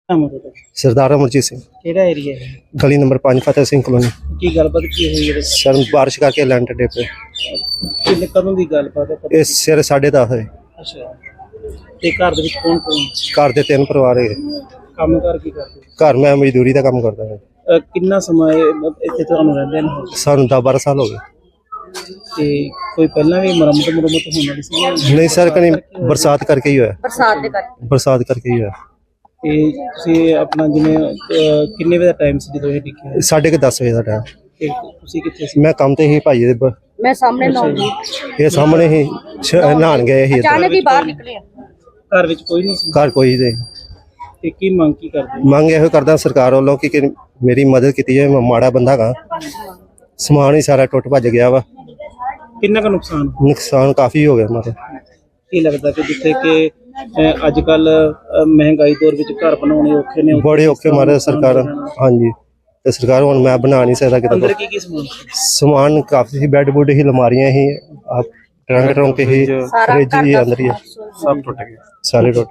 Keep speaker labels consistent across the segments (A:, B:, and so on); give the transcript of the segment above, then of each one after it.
A: ਨਾਮ ਹੈ ਤੁਹਾਡਾ?
B: सरदार अमरजीत सिंह,
A: ਕਿਹੜਾ ਏਰੀਆ ਹੈ?
B: गली नंबर 5 फतेह सिंह कॉलोनी।
A: ਕੀ ਗੱਲਬਾਤ ਕੀ ਹੋਈ ਹੈ?
B: सर बारिश करके लैंड डे पे
A: ਕਿੰਨੇ ਕਦੋਂ ਦੀ ਗੱਲਬਾਤ ਹੈ?
B: इस सिर 10:30 है।
A: ਅੱਛਾ, ਤੇ ਘਰ ਦੇ ਵਿੱਚ ਕੌਣ ਕੌਣ?
B: घर दे 3 परिवार है।
A: ਕੰਮ ਕਾਰ ਕੀ ਕਰਦੇ?
B: घर मैं मजदूरी का काम करता है।
A: ਕਿੰਨਾ ਸਮਾਂ ਇੱਥੇ ਤੁਹਾਨੂੰ ਰਹਿੰਦੇ ਨੇ?
B: सानू 10-12 साल हो गए।
A: ਤੇ ਕੋਈ ਪਹਿਲਾਂ ਵੀ ਮੁਰੰਮਤ ਹੋਣ ਵਾਲੀ ਸੀ?
B: नहीं सर, कहीं बरसात करके ही हुआ है। बरसात करके ही हुआ है।
A: ਤੇ ਤੁਸੀਂ ਆਪਣਾ ਜਿਵੇਂ ਕਿੰਨੇ ਵਜੇ ਦਾ ਟਾਈਮ ਸੀ ਜਦੋਂ ਇਹ ਡਿੱਗਿਆ?
B: 10:30 बजे का टाइम।
A: ਤੇ ਤੁਸੀਂ ਕਿੱਥੇ ਸੀ?
B: मैं काम ते ही भाई दे
C: मैं सामने ना
B: ये सामने ही नहान गए ही।
C: अचानक ही बाहर निकले।
A: ਘਰ ਵਿੱਚ ਕੋਈ ਨਹੀਂ ਸੀ?
B: घर कोई नहीं।
A: ਤੇ ਕੀ ਮੰਗ ਕੀ ਕਰਦੇ?
B: ਮੰਗ ਇਹੋ ਕਰਦਾ ਸਰਕਾਰ ਵੱਲੋਂ ਕਿ ਮੇਰੀ ਮਦਦ ਕੀਤੀ ਜਾਏ। ਮੈਂ ਮਾੜਾ ਬੰਦਾ ਗਾ, ਸਮਾਨ ਹੀ ਸਾਰਾ ਟੁੱਟ ਭੱਜ ਗਿਆ ਵਾ।
A: ਕਿੰਨਾ ਕੁ
B: ਨੁਕਸਾਨ ਕਾਫੀ ਹੋ ਗਿਆ ਮਾਰੇ।
A: ਕੀ ਲੱਗਦਾ ਕਿ ਜਿੱਥੇ ਕਿ ਅੱਜ ਕੱਲ ਮਹਿੰਗਾਈ ਦੌਰ ਵਿੱਚ ਘਰ ਬਣਾਉਣੇ ਔਖੇ ਨੇ,
B: ਬੜੇ ਔਖੇ ਮਾਰੇ ਸਰਕਾਰ। ਹਾਂਜੀ, ਤੇ ਸਰਕਾਰ ਹੁਣ ਮੈਂ ਬਣਾ ਨਹੀਂ ਸਕਦਾ
A: ਅੰਦਰ
B: ਕਿਤੇ।
A: ਕੀ ਸਮਾਨ?
B: ਸਮਾਨ ਕਾਫੀ ਸੀ, ਬੈੱਡ ਬੁੱਡ ਹੀ, ਲਮਾਰੀਆਂ ਹੀ, ਟਰੰਕ ਹੀ, ਫ੍ਰਿਜ ਹੀ ਅੰਦਰ ਹੀ
A: ਸਭ ਟੁੱਟ ਗਏ,
B: ਸਾਰੇ ਟੁੱਟ।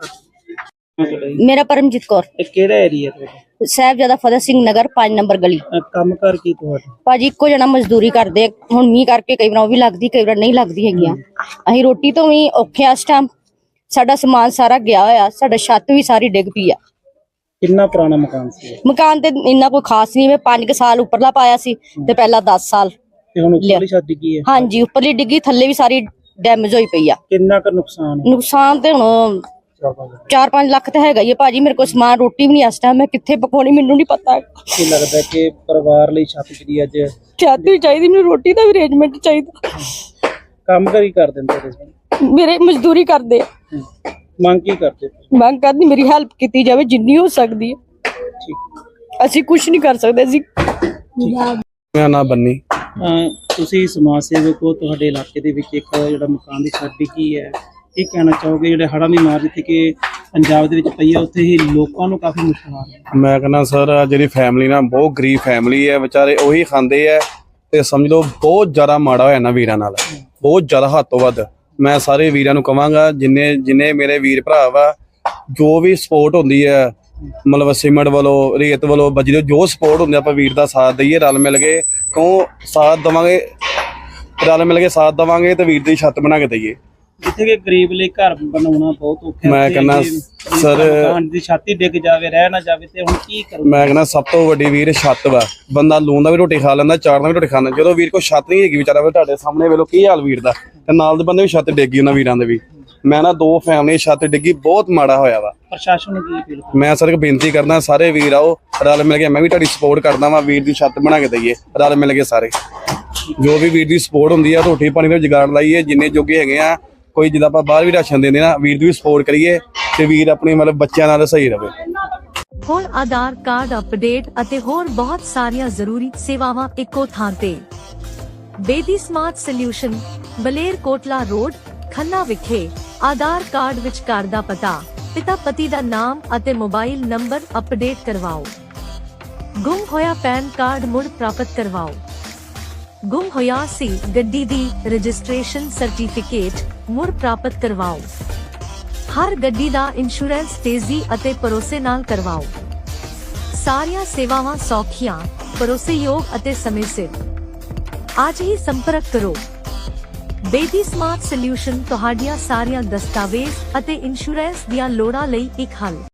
C: मेरा परमजीत कौर,
A: ਇਹ ਕਿਹੜਾ ਏਰੀਆ ਤੁਹਾਡਾ?
C: ਸਾਹਿਬਜ਼ਾਦਾ ਫਤਿਹ ਸਿੰਘ ਨਗਰ 5 ਨੰਬਰ ਗਲੀ।
A: ਕੰਮ ਕਰ ਕੀ ਤੁਹਾਡਾ?
C: ਭਾਜੀ ਇੱਕੋ ਜਣਾ ਮਜ਼ਦੂਰੀ ਕਰਦੇ ਆ। ਹੁਣ ਮੀਂਹ ਕਰਕੇ ਕਈ ਵਾਰ ਉਹ ਵੀ ਲੱਗਦੀ, ਕਈ ਵਾਰ ਨਹੀਂ ਲੱਗਦੀ ਹੈਗੀਆਂ। ਅਸੀਂ ਰੋਟੀ ਤੋਂ ਵੀ ਔਖੇ ਆ ਇਸ ਟਾਈਮ। ਸਾਡਾ ਸਮਾਨ ਸਾਰਾ ਗਿਆ ਹੋਇਆ, ਸਾਡਾ ਛੱਤ ਵੀ ਸਾਰੀ ਡਿੱਗ ਪਈ ਆ।
A: ਕਿੰਨਾ ਪੁਰਾਣਾ ਮਕਾਨ ਸੀ?
C: ਮਕਾਨ ਤੇ ਇੰਨਾ ਕੋਈ ਖਾਸ ਨਹੀਂ। ਮੈਂ 5 ਸਾਲ ਉੱਪਰਲਾ ਪਾਇਆ ਸੀ ਤੇ ਪਹਿਲਾਂ 10 ਸਾਲ।
A: ਤੇ ਹੁਣ ਉੱਪਰਲੀ ਛੱਤ ਡਿੱਗੀ ਹੈ?
C: ਹਾਂਜੀ, ਉੱਪਰਲੀ ਡਿੱਗੀ, ਥੱਲੇ ਵੀ ਸਾਰੀ ਡੈਮੇਜ ਹੋਈ ਪਈ ਆ।
A: ਕਿੰਨਾ ਕੁ ਨੁਕਸਾਨ?
C: ਨੁਕਸਾਨ ਤੇ ਹੁਣ 4-5 ਲੱਖ ਤਾਂ ਹੈਗਾ ਹੀ ਆ ਭਾਜੀ। ਮੇਰੇ ਕੋਲ ਸਮਾਨ, ਰੋਟੀ ਵੀ ਨਹੀਂ ਇਸ ਟਾਈਮ। ਮੈਂ ਕਿੱਥੇ ਪਕਾਉਣੀ ਮੈਨੂੰ ਨਹੀਂ ਪਤਾ।
A: ਕੀ ਲੱਗਦਾ ਕਿ ਪਰਿਵਾਰ ਲਈ ਛੱਤ ਜਿਹੜੀ ਅੱਜ
C: ਛੱਤ ਵੀ ਚਾਹੀਦੀ, ਮੈਨੂੰ ਰੋਟੀ ਦਾ ਵੀ ਅਰੇਂਜਮੈਂਟ ਚਾਹੀਦਾ।
A: ਕੰਮ ਕਰ ਹੀ ਕਰ ਦਿੰਦੇ ਤੁਸੀਂ?
C: ਮੇਰੇ ਮਜ਼ਦੂਰੀ ਕਰਦੇ ਆ।
A: ਮੰਗ ਕੀ ਕਰਦੇ?
C: ਮੰਗ ਕਰਦੀ ਮੇਰੀ ਹੈਲਪ ਕੀਤੀ ਜਾਵੇ ਜਿੰਨੀ ਹੋ ਸਕਦੀ ਹੈ।
A: ਠੀਕ।
C: ਅਸੀਂ ਕੁਝ ਨਹੀਂ ਕਰ ਸਕਦੇ। ਅਸੀਂ
D: ਮੇਰਾ ਨਾਮ ਬੰਨੀ।
A: ਤੁਸੀਂ ਸਮਾਜ ਸੇਵਕ ਹੋ, ਤੁਹਾਡੇ ਇਲਾਕੇ ਦੇ ਵਿੱਚ ਇੱਕ ਜਿਹੜਾ ਮਕਾਨ ਦੀ ਛੱਤ ਡਿੱਗੀ ਹੈ, ਕੀ ਕਹਿਣਾ ਚਾਹੋਗੇ? ਜਿਹੜੇ ਹੜ੍ਹਾਂ ਦੀ ਮਾਰ ਜਿੱਥੇ ਕਿ ਪੰਜਾਬ ਦੇ ਵਿੱਚ ਪਈ ਹੈ, ਉੱਥੇ ਹੀ ਲੋਕਾਂ ਨੂੰ ਕਾਫੀ ਮੁਸ਼ਕਲ ਆ ਰਹੀ ਹੈ।
D: ਮੈਂ ਕਹਿੰਦਾ ਸਰ, ਜਿਹੜੀ ਫੈਮਿਲੀ ਨਾ ਬਹੁਤ ਗਰੀਬ ਫੈਮਿਲੀ ਹੈ, ਵਿਚਾਰੇ ਉਹੀ ਖਾਂਦੇ ਆ ਤੇ ਸਮਝ ਲਓ ਬਹੁਤ ਜ਼ਿਆਦਾ ਮਾੜਾ ਹੋਇਆ ਨਾ ਵੀਰਾਂ ਨਾਲ, ਬਹੁਤ ਜ਼ਿਆਦਾ ਹੱਦ ਤੋਂ ਵੱਧ। ਮੈਂ ਸਾਰੇ ਵੀਰਾਂ ਨੂੰ ਕਵਾਂਗਾ, ਜਿੰਨੇ ਮੇਰੇ ਵੀਰ ਭਰਾ ਵਾ, ਜੋ ਵੀ ਸਪੋਰਟ ਹੁੰਦੀ ਹੈ, ਮਤਲਬ ਸੀਮੈਂਟ ਵੱਲੋਂ, ਰੇਤ ਵੱਲੋਂ, ਬਜਰੀ, ਜੋ ਸਪੋਰਟ ਹੁੰਦੀ ਆਪਾਂ ਵੀਰ ਦਾ ਸਾਥ ਦਈਏ, ਰਲ ਮਿਲ ਕੇ। ਕਿਉਂ ਸਾਥ ਦੇਵਾਂਗੇ, ਰਲ ਮਿਲ ਕੇ ਸਾਥ ਦੇਵਾਂਗੇ ਤੇ ਵੀਰ ਦੀ ਛੱਤ ਬਣਾ ਕੇ ਦਈਏ।
A: ਜਿੱਥੇ ਕਿ ਗਰੀਬ ਲਈ ਘਰ ਬਣਾਉਣਾ ਬਹੁਤ ਔਖਾ ਹੈ।
D: ਮੈਂ ਕਹਿੰਦਾ ਸਰ,
A: ਮਕਾਨ ਦੀ ਛੱਤ ਹੀ ਡਿੱਗ ਜਾਵੇ, ਰਹਿ ਨਾ ਜਾਵੇ, ਤੇ ਹੁਣ ਕੀ ਕਰੂ?
D: ਮੈਂ ਕਹਿੰਦਾ ਸਭ ਤੋਂ ਵੱਡੀ ਵੀਰ ਛੱਤ ਵਾ। ਬੰਦਾ ਲੂਣ ਦਾ ਵੀ ਰੋਟੀ ਖਾ ਲੈਂਦਾ, ਚਾਰ ਦਾ ਵੀ ਰੋਟੀ ਖਾਂਦਾ। ਜਦੋਂ ਵੀਰ ਕੋਲ ਛੱਤ ਨਹੀਂ ਹੈਗੀ ਵਿਚਾਰਾ, ਤੁਹਾਡੇ ਸਾਹਮਣੇ ਵੇਲੋ ਕੀ ਹਾਲ ਵੀਰ ਦਾ, ਤੇ ਨਾਲ ਦੇ ਬੰਦੇ ਵੀ ਛੱਤ ਡਿੱਗੀ ਉਹਨਾਂ ਵੀਰਾਂ ਦੇ ਵੀ। ਮੈਂ ਨਾ 2 ਫੈਮਲੀ ਛੱਤ ਡਿੱਗੀ, ਬਹੁਤ ਮਾੜਾ ਹੋਇਆ ਵਾ।
A: ਪ੍ਰਸ਼ਾਸਨ ਨੂੰ ਕੀ ਅਪੀਲ?
D: ਮੈਂ ਸਰ ਬੇਨਤੀ ਕਰਦਾ, ਸਾਰੇ ਵੀਰ ਆਓ, ਰਲ ਮਿਲ ਕੇ। ਮੈਂ ਵੀ ਤੁਹਾਡੀ ਸਪੋਰਟ ਕਰਦਾ ਵਾਂ, ਵੀਰ ਦੀ ਛੱਤ ਬਣਾ ਕੇ ਦਈਏ ਰਲ ਮਿਲ ਕੇ ਸਾਰੇ। ਜੋ ਵੀ ਵੀਰ ਦੀ ਸਪੋਰਟ ਹੁੰਦੀ ਆ, ਰੋਟੀ ਪਾਣੀ ਦਾ ਜੁਗਾੜ ਲਾਈਏ ਜਿੰਨੇ ਜੋਗੇ ਹੈਗੇ ਆ। ਕੋਈ ਜਿੱਦਾਂ ਆਪਾਂ ਬਾਹਰ ਵੀ ਰਾਸ਼ਨ ਦਿੰਦੇ ਨਾ, ਵੀਰ ਦੀ ਵੀ ਸਪੋਰਟ ਕਰੀਏ ਤੇ ਵੀਰ ਆਪਣੇ ਮਤਲਬ ਬੱਚਿਆਂ ਨਾਲ ਸਹੀ ਰਵੇ।
E: ਹੁਣ ਆਧਾਰ ਕਾਰਡ ਅਪਡੇਟ ਅਤੇ ਹੋਰ ਬਹੁਤ ਸਾਰੀਆਂ ਜ਼ਰੂਰੀ ਸੇਵਾਵਾਂ ਇੱਕੋ ਥਾਂ ਤੇ। Bedi smart solution, Baler Kotla road, Khanna ਵਿਖੇ। ਆਧਾਰ ਕਾਰਡ ਵਿੱਚ ਘਰ ਦਾ ਪਤਾ, ਪਿਤਾ ਪਤੀ ਦਾ ਨਾਮ ਅਤੇ ਮੋਬਾਈਲ ਨੰਬਰ ਅਪਡੇਟ ਕਰਵਾਓ। ਗੁੰਮ ਹੋਇਆ ਪੈਨ ਕਾਰਡ ਮੁੜ ਪ੍ਰਾਪਤ ਕਰਵਾਓ। ਗੁੰਮ ਹੋਇਆ ਸੀ ਗੱਡੀ ਦੀ ਰਜਿਸਟ੍ਰੇਸ਼ਨ ਸਰਟੀਫਿਕੇਟ ਮੁੜ ਪ੍ਰਾਪਤ ਕਰਵਾਓ। ਹਰ ਗੱਡੀ ਦਾ ਇੰਸ਼ੋਰੈਂਸ ਤੇਜ਼ੀ ਅਤੇ ਭਰੋਸੇ ਨਾਲ ਕਰਵਾਓ। ਸਾਰੀਆਂ ਸੇਵਾਵਾਂ ਸੌਖੀਆਂ, ਭਰੋਸੇਯੋਗ ਅਤੇ ਸਮੇਂ ਸਿਰ। ਅੱਜ ਹੀ ਸੰਪਰਕ ਕਰੋ। ਬੇਦੀ ਸਮਾਰਟ ਸੋਲਿਊਸ਼ਨ ਤੁਹਾਡੀਆਂ ਸਾਰੀਆਂ ਦਸਤਾਵੇਜ਼ ਅਤੇ ਇੰਸ਼ੋਰੈਂਸ ਦੀਆਂ ਲੋੜਾਂ ਲਈ ਇੱਕ ਹੱਲ।